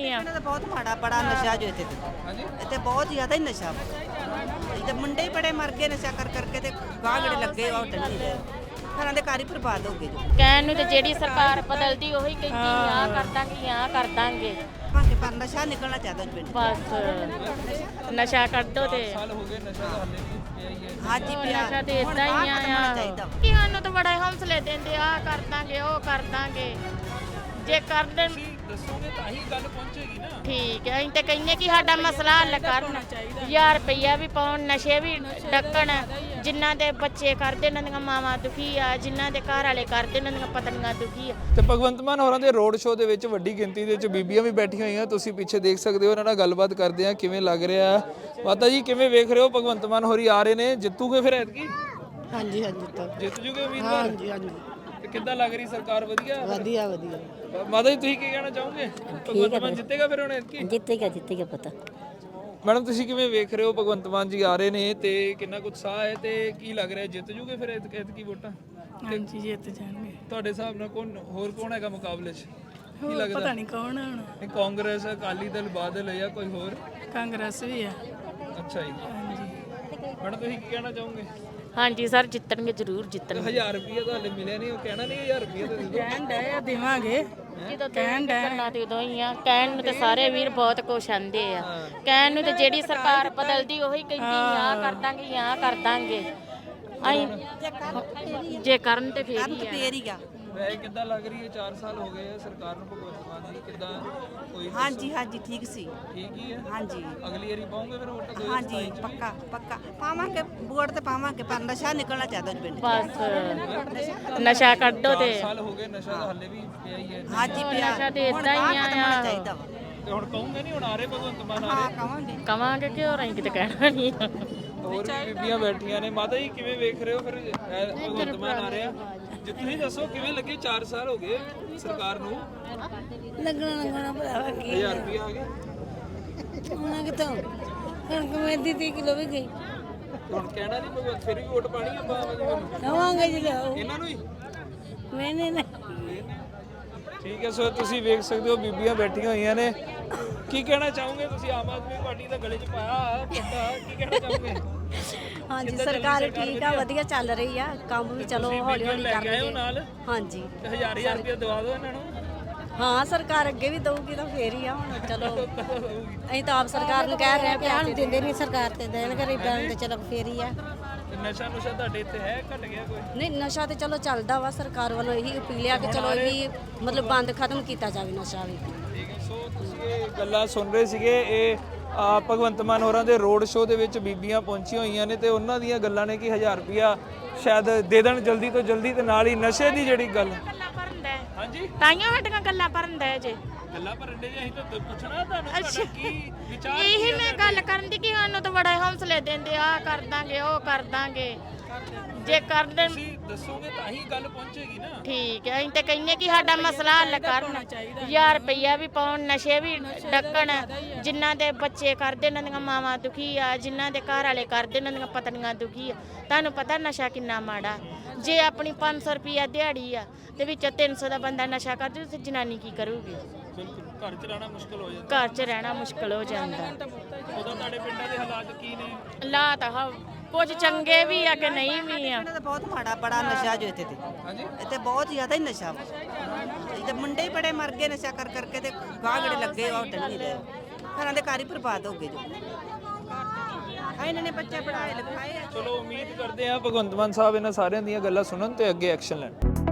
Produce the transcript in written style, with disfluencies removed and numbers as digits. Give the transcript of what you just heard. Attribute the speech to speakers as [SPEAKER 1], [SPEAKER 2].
[SPEAKER 1] ਵੀ ਆ।
[SPEAKER 2] ਇਹਨਾਂ ਦਾ ਬਹੁਤ ਮਾੜਾ ਬੜਾ ਨਸ਼ਾ ਜੋ ਇੱਥੇ ਇੱਥੇ ਬਹੁਤ ਜ਼ਿਆਦਾ ਹੀ ਨਸ਼ਾ ਵਾ। ਤੇ ਮੁੰਡੇ ਹੀ ਬੜੇ ਮਰ ਗਏ ਨਸ਼ਾ ਕਰ ਕਰਕੇ ਤੇ ਗਾਹ ਜਿਹੜੇ ਲੱਗੇ ਉਹ ਟੰਨੀ ਦੇ ਘਰਾਂ ਦੇ ਘਰ ਹੀ ਬਰਬਾਦ ਹੋ ਗਏ ਜੋ।
[SPEAKER 1] ਕਹਿਣ ਨੂੰ ਤੇ ਜਿਹੜੀ ਸਰਕਾਰ ਬਦਲਦੀ ਉਹੀ ਕਹਿੰਦੀ ਆ ਕਰ ਦਾਂਗੇ
[SPEAKER 2] ਭਾਂਗੇ ਪਰ ਨਸ਼ਾ ਨਿਕਲਣਾ ਚਾਹੀਦਾ ਪਿੰਡ।
[SPEAKER 1] ਬਸ ਨਸ਼ਾ ਕੱਢੋ ਤੇ
[SPEAKER 3] ਸਾਲ ਹੋ ਗਏ ਨਸ਼ਾ ਤਾਂ ਹਾਲੇ ਵੀ ਪਿਆ ਹੀ ਹੈ।
[SPEAKER 2] ਹਾਂਜੀ ਪਿਆ
[SPEAKER 1] ਨਸ਼ਾ ਤੇ ਇਦਾਂ ਹੀ ਆ
[SPEAKER 2] ਚਾਹੀਦਾ ਵਾ।
[SPEAKER 1] ਕਿ ਸਾਨੂੰ ਤਾਂ ਬੜਾ ਹੌਸਲੇ ਦਿੰਦੇ ਆ ਕਰ ਦਾਂਗੇ ਉਹ ਕਰ ਦਾਂਗੇ ਜੇ ਕਰ ਦੇਣ
[SPEAKER 3] ਤੁਸੀਂ ਦੱਸੋਗੇ ਤਾਂ ਹੀ ਗੱਲ ਪਹੁੰਚੇਗੀ ਨਾ।
[SPEAKER 1] ਠੀਕ ਹੈ ਅਸੀਂ ਤੇ ਕਹਿੰਦੇ ਕਿ ਸਾਡਾ ਮਸਲਾ ਹੱਲ ਕਰਨ 1000 ਰੁਪਈਆ ਵੀ ਪਾਉਣ ਨਸ਼ੇ ਵੀ ਡੱਕਣ ਜਿਨ੍ਹਾਂ ਦੇ ਬੱਚੇ ਕਰਦੇ ਉਹਨਾਂ ਦੀਆਂ ਮਾਵਾਂ ਦੁਖੀ ਆ ਜਿਨ੍ਹਾਂ ਦੇ ਘਰ ਵਾਲੇ ਕਰਦੇ ਉਹਨਾਂ ਦੀਆਂ ਪਤਨੀਆਂ ਦੁਖੀ ਆ।
[SPEAKER 3] ਤੇ ਭਗਵੰਤ ਮਾਨ ਹੋਰਾਂ ਦੇ ਰੋਡ ਸ਼ੋਅ ਦੇ ਵਿੱਚ ਵੱਡੀ ਗਿਣਤੀ ਦੇ ਵਿੱਚ ਬੀਬੀਆਂ ਵੀ ਬੈਠੀਆਂ ਹੋਈਆਂ ਤੁਸੀਂ ਪਿੱਛੇ ਦੇਖ ਸਕਦੇ ਹੋ। ਉਹਨਾਂ ਨਾਲ ਗੱਲਬਾਤ ਕਰਦੇ ਆ ਕਿਵੇਂ ਲੱਗ ਰਿਹਾ। ਮਾਤਾ ਜੀ ਕਿਵੇਂ ਵੇਖ ਰਹੇ ਹੋ ਭਗਵੰਤ ਮਾਨ ਹੋਰੀ ਆ ਰਹੇ ਨੇ ਜਿੱਤੂਗੇ ਫਿਰ ਐਤਕੀ?
[SPEAKER 2] ਹਾਂਜੀ ਹਾਂਜੀ
[SPEAKER 3] ਜਿੱਤ ਜੂਗੇ ਉਮੀਦਵਾਰ?
[SPEAKER 2] ਹਾਂਜੀ ਹਾਂਜੀ
[SPEAKER 3] ਤੇ ਕਿੱਦਾਂ ਲੱਗ ਰਹੀ ਸਰਕਾਰ? ਵਧੀਆ
[SPEAKER 2] ਵਧੀਆ ਵਧੀਆ
[SPEAKER 3] ਮਾਤਾ ਜੀ ਤੁਸੀਂ ਕੀ ਕਹਿਣਾ ਚਾਹੋਗੇ? ਭਗਵੰਤ ਮਾਨ ਜਿੱਤੇਗਾ ਫਿਰ ਹੁਣ ਐਤਕੀ?
[SPEAKER 2] ਜਿੱਤੇਗਾ ਪਤਾ।
[SPEAKER 3] ਮੈਡਮ ਤੁਸੀਂ ਕਿਵੇਂ ਵੇਖ ਰਹੇ ਹੋ ਭਗਵੰਤ ਮਾਨ ਜੀ ਆ ਰਹੇ ਨੇ ਤੇ ਕਿੰਨਾ ਕੁ ਉਤਸ਼ਾਹ ਹੈ ਤੇ ਕੀ ਲੱਗ ਰਿਹਾ ਜਿੱਤ ਜੂਗੇ ਫਿਰ ਐਤਕੀ ਵੋਟਾਂ?
[SPEAKER 4] ਹਾਂਜੀ ਜਿੱਤ ਜਾਣਗੇ।
[SPEAKER 3] ਤੁਹਾਡੇ ਹਿਸਾਬ ਨਾਲ ਕੌਣ ਹੈਗਾ ਮੁਕਾਬਲੇ 'ਚ? ਕੀ ਲੱਗਦਾ?
[SPEAKER 4] ਪਤਾ ਨਹੀਂ ਕੌਣ ਆ ਹੁਣ।
[SPEAKER 3] ਇਹ ਕਾਂਗਰਸ ਅਕਾਲੀ ਦਲ ਬਾਦਲ ਜਾਂ ਕੋਈ ਹੋਰ?
[SPEAKER 4] ਕਾਂਗਰਸ ਵੀ ਆ।
[SPEAKER 3] ਅੱਛਾ ਜੀ। ਮੈਡਮ ਤੁਸੀਂ ਕੀ ਕਹਿਣਾ ਚਾਹੋਗੇ?
[SPEAKER 1] ਹਾਂਜੀ ਸਰ ਜਿੱਤਣਗੇ ਜ਼ਰੂਰ ਜਿੱਤਣਗੇ।
[SPEAKER 3] 1000 ਰੁਪਏ ਤਾਂ ਹਲੇ ਮਿਲਿਆ ਨਹੀਂ। ਉਹ ਕਹਿਣਾ ਨਹੀਂ 1000 ਰੁਪਏ ਤਾਂ ਦੇ ਦਿਓ।
[SPEAKER 4] ਕਹਿਣ ਡਏ ਆ ਦੇਵਾਂਗੇ।
[SPEAKER 1] ਜਦੋਂ ਕਰਨਾ ਤੇ ਉਦੋਂ ਹੀ ਆ ਕਹਿਣ ਨੂੰ ਤੇ ਸਾਰੇ ਵੀਰ ਬਹੁਤ ਕੁਛ ਆਂਦੇ ਆ ਕਹਿਣ ਨੂੰ ਤੇ ਜਿਹੜੀ ਸਰਕਾਰ ਬਦਲਦੀ ਉਹੀ ਕਹਿੰਦੀ ਆ ਕਰ ਦਾਂਗੇ ਅਸੀਂ ਜੇ ਕਰਨ ਤੇ ਫੇਰ ਹੀ ਆ।
[SPEAKER 2] ਫੇਰ ਹੀ ਆ।
[SPEAKER 3] ਵੈਸੇ ਕਿੱਦਾਂ ਲੱਗ ਰਹੀ ਹੈ? 4 ਸਾਲ ਹੋ ਗਏ ਆ ਸਰਕਾਰ ਨੂੰ ਭਗਵੰਤ ਮਾਨ ਜੀ ਕਿੱਦਾਂ ਕੋਈ
[SPEAKER 2] ਹਾਂਜੀ ਹਾਂਜੀ ਠੀਕ ਸੀ।
[SPEAKER 3] ਠੀਕ ਹੀ ਹੈ?
[SPEAKER 2] ਹਾਂਜੀ
[SPEAKER 3] ਅਗਲੀ ਵਾਰੀ ਪਾਉਂਗੇ ਫਿਰ ਵੋਟ?
[SPEAKER 2] ਹਾਂਜੀ ਪੱਕਾ ਪਾਵਾਂਗੇ ਵੋਟ ਤੇ ਪਾਵਾਂਗੇ ਪਰ ਨਸ਼ਾ ਨਿਕਲਣਾ ਚਾਹੀਦਾ ਪਿੰਡ।
[SPEAKER 1] ਬਸ ਨਸ਼ਾ ਕੱਢੋ ਤੇ
[SPEAKER 3] 4 ਸਾਲ ਹੋ ਗਏ ਨਸ਼ਾ ਤਾਂ ਹਾਲੇ ਵੀ ਪਿਆ ਹੀ ਹੈ।
[SPEAKER 2] ਹਾਂਜੀ ਪਿਆ
[SPEAKER 1] ਨਸ਼ਾ ਤੇ ਇਦਾਂ ਹੀ ਆ
[SPEAKER 2] ਚਾਹੀਦਾ ਵਾ।
[SPEAKER 3] ਤੇ ਹੁਣ ਕਹੋਗੇ ਨਹੀਂ ਹੁਣ ਆ ਰਹੇ ਭਗਵੰਤ ਮਾਨ ਆ
[SPEAKER 2] ਹਾਂ
[SPEAKER 3] ਰਹੇ?
[SPEAKER 2] ਕਵਾਂਗੇ
[SPEAKER 1] ਕਵਾਂਗੇ ਕਿ ਹੋਰ ਅਸੀਂ ਕਿਤੇ ਕਹਿਣਾ ਨਹੀਂ
[SPEAKER 3] ਹੋਰ ਵੀ ਬੀਬੀਆਂ ਬੈਠੀਆਂ ਨੇ। ਮਾਤਾ ਜੀ ਕਿਵੇਂ ਵੇਖ ਰਹੇ ਹੋ ਫਿਰ ਭਗਵੰਤ ਮਾਨ ਆ ਰਿਹਾ? ਜੇ ਤੁਸੀਂ ਦੱਸੋ ਕਿਵੇਂ ਲੱਗੇ? 4 ਸਾਲ ਹੋ ਗਏ ਸਰਕਾਰ ਨੂੰ।
[SPEAKER 5] ਲੱਗਣਾ ਭਰਾਵਾ ਕੀ
[SPEAKER 3] 1000 ਰੁਪਏ ਆ ਗਏ
[SPEAKER 5] ਉਹਨਾਂ ਕਿਤੋਂ ਕਣਕ ਮੇਦੀ 30 ਕਿਲੋ ਵੀ ਗਈ।
[SPEAKER 3] ਹੁਣ ਕਹਿਣਾ ਨਹੀਂ ਭਗਵੰਤ ਫਿਰ ਵੀ ਵੋਟ ਪਾਣੀ ਆਪਾਂ
[SPEAKER 5] ਲਵਾਂਗੇ ਜੀ ਲਓ
[SPEAKER 3] ਇਹਨਾਂ ਨੂੰ ਹੀ।
[SPEAKER 5] ਮੈਨੇ ਨਾ
[SPEAKER 3] ਠੀਕ ਹੈ ਸੋ ਤੁਸੀਂ ਵੇਖ ਸਕਦੇ ਹੋ ਬੀਬੀਆਂ ਬੈਠੀਆਂ ਹੋਈਆਂ ਨੇ। ਕੀ ਕਹਿਣਾ ਚਾਹੋਗੇ ਤੁਸੀਂ? ਆਮ ਆਦਮੀ ਪਾਰਟੀ ਦਾ ਗਲੇ 'ਚ ਪਾਇਆ ਪੱਟਾ, ਕੀ ਕਹਿਣਾ ਚਾਹੋਗੇ?
[SPEAKER 6] ਹਾਂਜੀ ਸਰਕਾਰ ਠੀਕ ਆ ਵਧੀਆ ਚੱਲ ਰਹੀ ਆ ਕੰਮ ਵੀ ਚਲੋ ਹੌਲੀ ਹੌਲੀ
[SPEAKER 3] ਲੈ ਕੇ ਆਏ ਹੋ
[SPEAKER 6] ਕਰਨਗੇ।
[SPEAKER 3] ਨਾਲ
[SPEAKER 6] ਹਾਂਜੀ
[SPEAKER 3] ਤੇ 1000 ਰੁਪਏ ਦਵਾ ਦਿਓ ਇਹਨਾਂ ਨੂੰ।
[SPEAKER 6] ਹਾਂ ਸਰਕਾਰ ਅੱਗੇ ਵੀ ਦਊਗੀ ਤਾਂ ਫੇਰ ਹੀ ਆ ਹੁਣ ਚਲੋ ਅਸੀਂ ਤਾਂ ਆਪ ਸਰਕਾਰ ਨੂੰ ਕਹਿ ਰਹੇ ਆ ਕਿ
[SPEAKER 5] ਪਿਆਰ ਦਿੰਦੇ ਨਹੀਂ ਸਰਕਾਰ ਤੇ ਦੇਣ ਗਰੀਬਾਂ ਨੂੰ ਤੇ ਚਲੋ ਫੇਰ ਹੀ ਆ।
[SPEAKER 3] ਤੇ ਨਸ਼ਾ ਨੁਸ਼ਾ ਤੁਹਾਡੇ ਇੱਥੇ ਹੈ? ਘਟ ਗਿਆ ਕੋਈ?
[SPEAKER 6] ਨਹੀਂ ਨਸ਼ਾ ਤੇ ਚਲੋ ਚੱਲਦਾ ਵਾ ਸਰਕਾਰ ਵੱਲੋਂ ਇਹੀ ਅਪੀਲ ਆ ਕਿ ਚਲੋ ਇਹ ਵੀ ਮਤਲਬ ਬੰਦ ਖਤਮ ਕੀਤਾ ਜਾਵੇ ਨਸ਼ਾ ਵੀ।
[SPEAKER 3] ਠੀਕ ਹੈ ਸੋ ਤੁਸੀਂ ਇਹ ਗੱਲਾਂ ਸੁਣ ਰਹੇ ਸੀਗੇ। ਇਹ ਭਗਵੰਤ ਮਾਨ ਹੋਰਾਂ ਦੇ ਰੋਡ ਸ਼ੋਅ ਦੇ ਵਿੱਚ ਬੀਬੀਆਂ ਪਹੁੰਚੀਆਂ ਹੋਈਆਂ ਨੇ ਤੇ ਉਹਨਾਂ ਦੀਆਂ ਗੱਲਾਂ ਨੇ ਕਿ 1000 ਰੁਪਿਆ ਸ਼ਾਇਦ ਦੇ ਦੇਣ ਜਲਦੀ ਤੋਂ ਜਲਦੀ ਤੇ ਨਾਲ ਹੀ ਨਸ਼ੇ ਦੀ ਜਿਹੜੀ ਗੱਲ।
[SPEAKER 1] ਗੱਲਾਂ ਭਰਨ ਦਾ
[SPEAKER 3] ਹਾਂਜੀ
[SPEAKER 1] ਤਾਈਆਂ ਵੱਡੀਆਂ ਗੱਲਾਂ ਭਰਨ ਦਾ ਜੇ
[SPEAKER 3] ਗੱਲਾਂ ਭਰਨ ਦੇ ਅਸੀਂ ਤਾਂ ਪੁੱਛਣਾ ਤੁਹਾਨੂੰ ਤੁਹਾਡਾ ਕੀ ਵਿਚਾਰ?
[SPEAKER 1] ਇਹੀ ਮੈਂ ਗੱਲ ਕਰਨ ਦੀ ਕਿ ਸਾਨੂੰ ਤਾਂ ਬੜਾ ਹੌਸਲੇ ਦਿੰਦੇ ਆ ਕਰ ਦਾਂਗੇ ਉਹ ਕਰ ਦਾਂਗੇ ਜੇ ਕਰ ਦੇਣ
[SPEAKER 3] ਤੁਸੀਂ ਦੱਸੋਗੇ ਤਾਂ ਹੀ ਗੱਲ ਪਹੁੰਚੇਗੀ ਨਾ।
[SPEAKER 1] ਠੀਕ ਹੈ ਅਸੀਂ ਤੇ ਕਹਿੰਦੇ ਕਿ ਸਾਡਾ ਮਸਲਾ ਹੱਲ ਕਰਨ 1000 ਰੁਪਈਆ ਵੀ ਪਾਉਣ ਨਸ਼ੇ ਵੀ ਡੱਕਣ ਜਿਨ੍ਹਾਂ ਦੇ ਬੱਚੇ ਕਰਦੇ ਉਹਨਾਂ ਦੀਆਂ ਮਾਵਾਂ ਦੁਖੀ ਆ ਜਿਨ੍ਹਾਂ ਦੇ ਘਰ ਵਾਲੇ ਕਰਦੇ ਉਹਨਾਂ ਦੀਆਂ ਪਤਨੀਆਂ ਦੁਖੀ ਆ। ਤੁਹਾਨੂੰ ਪਤਾ ਨਸ਼ਾ ਕਿੰਨਾ ਮਾੜਾ। ਜੇ ਆਪਣੀ 500 ਰੁਪਈਆ ਦਿਹਾੜੀ ਆ ਤੇ ਵਿੱਚ 300 ਦਾ ਬੰਦਾ ਨਸ਼ਾ ਕਰਦੇ ਤੇ ਜਨਾਨੀ ਕੀ ਕਰੂਗੀ?
[SPEAKER 3] ਬਿਲਕੁਲ ਘਰ ਚ ਰਹਿਣਾ ਮੁਸ਼ਕਲ ਹੋ ਜਾਂਦਾ।
[SPEAKER 1] ਘਰ 'ਚ ਰਹਿਣਾ ਮੁਸ਼ਕਲ ਹੋ ਜਾਂਦਾ।
[SPEAKER 3] ਉਦੋਂ ਤੁਹਾਡੇ ਪਿੰਡਾਂ ਦੇ ਹਾਲਾਤ ਕੀ ਨੇ?
[SPEAKER 1] ਹਾਲਾਤ ਕੁਝ ਚੰਗੇ ਵੀ ਆ ਕਿ ਨਹੀਂ ਵੀ ਆ।
[SPEAKER 2] ਇਹਨਾਂ ਦਾ ਬਹੁਤ ਮਾੜਾ ਬੜਾ ਨਸ਼ਾ ਜੋ ਇੱਥੇ
[SPEAKER 3] ਹਾਂਜੀ
[SPEAKER 2] ਇੱਥੇ ਬਹੁਤ ਜ਼ਿਆਦਾ ਹੀ ਨਸ਼ਾ ਵਾ। ਤੇ ਮੁੰਡੇ ਹੀ ਬੜੇ ਮਰ ਗਏ ਨਸ਼ਾ ਕਰ ਕਰਕੇ ਤੇ ਗਾਹ ਜਿਹੜੇ ਲੱਗੇ ਉਹ ਟੰਨੀ ਦੇ ਘਰਾਂ ਦੇ ਘਰ ਹੀ ਬਰਬਾਦ ਹੋ ਗਏ ਜੋ। ਇਹਨਾਂ ਨੇ ਬੱਚੇ ਪੜਾਏ ਲਿਖਾਏ ਆ।
[SPEAKER 3] ਚਲੋ ਉਮੀਦ ਕਰਦੇ ਹਾਂ ਭਗਵੰਤ ਮਾਨ ਸਾਹਿਬ ਇਹਨਾਂ ਸਾਰਿਆਂ ਦੀਆਂ ਗੱਲਾਂ ਸੁਣਨ ਤੇ ਅੱਗੇ ਐਕਸ਼ਨ ਲੈਣ।